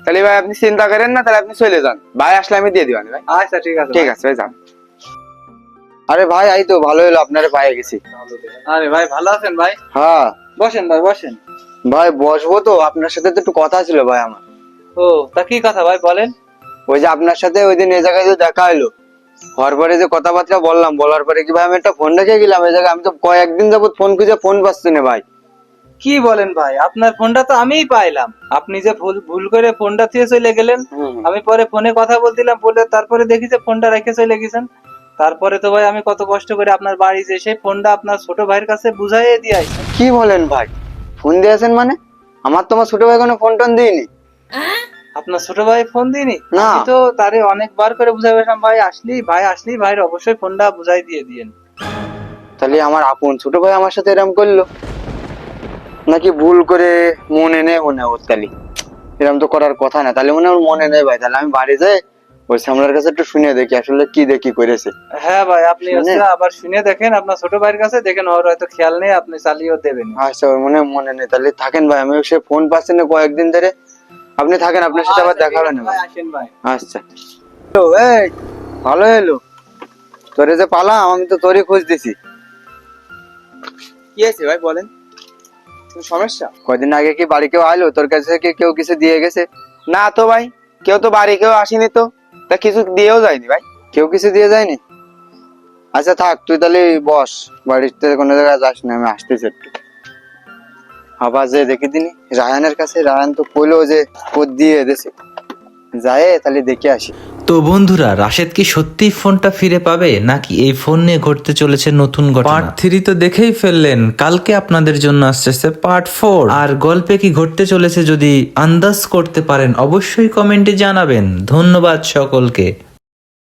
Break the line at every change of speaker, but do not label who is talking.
তাহলে ভাই আপনি চিন্তা করেন না, তাহলে আপনি চলে যান, ভাই আসলে আমি দিয়ে দিবানি ভাই।
আচ্ছা ঠিক আছে
ঠিক আছে ভাই, যান। আরে ভাই এই তো ভালো হলো আপনারে পায়ে গেছি।
আরে ভাই ভালো আছেন ভাই?
হ্যাঁ
বসেন ভাই বসেন।
ভাই বসবো তো, আপনার সাথে তো একটু কথা ছিল ভাই আমার।
ও তা কি কথা ভাই বলেন।
ওই যে আপনার সাথে ওই দিন এই জায়গায় যে দেখা হলো, হওয়ার পরে যে কথাবার্তা বললাম, বলার পরে কি ভাই আমি একটা ফোন রেখে গেলাম এই জায়গায়, আমি তো কয়েকদিন যাবত ফোন খুঁজে ফোন পাচ্ছি না ভাই।
কি বলেন ভাই, আপনার ফোনটা তো আমিই পাইলাম, আপনি যে ভুল ভুল করে ফোনটা দিয়ে চলে গেলেন। আমি পরে ফোনে কথা বলছিলাম, বলে তারপরে দেখি যে ফোনটা রেখে চলে গেছেন। তারপরে তো ভাই আমি কত কষ্ট করে আপনার বাড়ি যে সেই ফোনটা আপনার ছোট ভাইয়ের কাছে বুঝাইয়ে দিয়ে আইছি।
কি বলেন ভাই, ফোন দিয়েছেন মানে? আমার তো আমার ছোট ভাই কোনো ফোন টোন দিইনি।
আপনার ছোট ভাই ফোন দিনি?
না।
আমি তো তারে অনেকবার করে বুঝাইলাম, ভাই আসলি ভাইয়ের অবশ্যই ফোনটা বুঝাই দিয়ে দিয়েন।
তাহলে আমার আপন ছোট ভাই আমার সাথে এরম করলো, নাকি ভুল করে মনে নেই মনে ওর? তাহলে এরম তো করার কথা না, তাহলে মনে হয় ওর মনে নেই ভাই। তাহলে আমি বাড়ি যাই ওই সামলার কাছে একটু শুনে দেখি আসলে কি দেখি করেছে।
হ্যাঁ ভাই, আপনি
শুনে?
হচ্ছে আবার শুনে দেখেন আপনার ছোট ভাইয়ের কাছে, দেখেন ওর হয়তো খেয়াল নেই, আপনি চালিয়েও দেবেন।
আচ্ছা ওর মনে নেই, তাহলে থাকেন ভাই, আমি সে ফোন পাচ্ছি না কয়েকদিন ধরে। আপনি থাকেন, আপনার সাথে আবার দেখা হবে না ভাই।
আসেন ভাই।
আচ্ছা তো এই ভালো এলো তোরে যে পালাম, আমি তো তোরই খোঁজ দিছি।
কি আছে ভাই বলেন, কোনো সমস্যা?
কয়দিন আগে কি বাড়ি কেউ আইলো তোর কাছে, কি কেউ কিছু দিয়ে গেছে?
না তো ভাই, কেউ তো বাড়ি কেউ আসেনি তো, তা কিছু দিয়েও যায়নি ভাই।
কেউ কিছু দিয়ে যায়নি? আচ্ছা থাক, তুই তাহলে বস, বাড়িতে কোনো জায়গায় যাস না, আমি আসতেছি একটু। আবার যে দেখি দিনি রায়ানের কাছে, রায়ান তো কইলো যে কোদ দিয়ে দেছে, যায় তাহলে দেখে আসি।
তো বন্ধুরা, রাশেদ কি সত্যি ফোনটা ফিরে পাবে, নাকি এই ফোন নিয়ে ঘটতে চলেছে নতুন ঘটনা? পার্ট 3 তো দেখেই ফেললেন, কালকে আপনাদের জন্য আসছে পার্ট 4। আর গল্পে কি ঘটতে চলেছে যদি আন্দাজ করতে পারেন অবশ্যই কমেন্টে জানাবেন। ধন্যবাদ সকলকে।